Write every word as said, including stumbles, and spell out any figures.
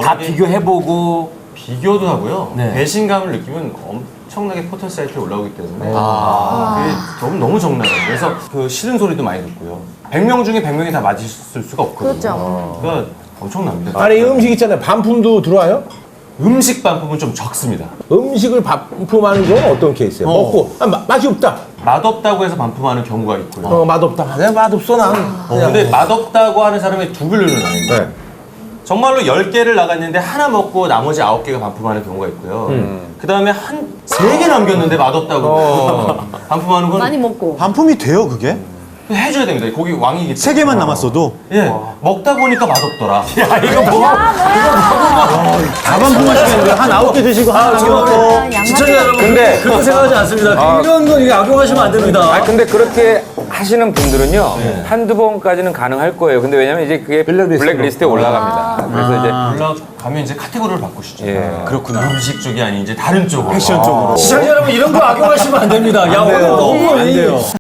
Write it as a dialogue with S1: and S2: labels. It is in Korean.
S1: 다 비교해보고
S2: 비교도 하고요.
S1: 네.
S2: 배신감을 느끼면 엄청나게 포털 사이트에 올라오기 때문에
S1: 아.
S2: 그게 너무 너무 적나요. 그래서 그 싫은 소리도 많이 듣고요. 백 명 중에 백 명이 다 맞을 수가 없거든요.
S3: 그렇죠.
S2: 그러니까 엄청납니다.
S4: 아니 이 음식 있잖아요. 반품도 들어와요?
S2: 음식 반품은 좀 적습니다.
S4: 음식을 반품하는 경우는 어떤 케이스예요?
S2: 어.
S4: 먹고 아, 마- 맛이 없다.
S2: 맛없다고 해서 반품하는 경우가 있고요.
S4: 어, 맛없다. 내가 맛없어 난.
S2: 어, 근데 맛없다고 하는 사람이 두 분류는 나뉩니다.
S4: 네.
S2: 정말로 열 개를 나갔는데 하나 먹고 나머지 아홉 개가 반품하는 경우가 있고요. 그 다음에 한 세 개 남겼는데 맛없다고
S4: 어.
S2: 반품하는 건
S3: 많이 먹고.
S5: 반품이 돼요, 그게?
S2: 해줘야 됩니다. 거기 왕이기 때문에.
S5: 세 개만 남았어도
S2: 예, 먹다 보니까 맛없더라.
S5: 다 반품하시겠는데 한 아홉 개 드시고 하나 남겨놓고
S1: 시청자 여러분 근데 그렇게 생각하지 않습니다. 이런 건 이게 악용하시면 안 됩니다.
S6: 아 근데 그렇게 하시는 분들은요 한두 번까지는 가능할 거예요. 근데 왜냐면 이제 그게 블랙리스트에 올라갑니다. 그래서 이제
S2: 올라가면 이제 카테고리를 바꾸시죠.
S6: 예.
S2: 그렇구나. 음식 쪽이 아닌 이제 다른 쪽으로.
S5: 패션 쪽으로.
S1: 시청자 여러분 이런 거 악용하시면 안 됩니다. 야 오늘 너무 이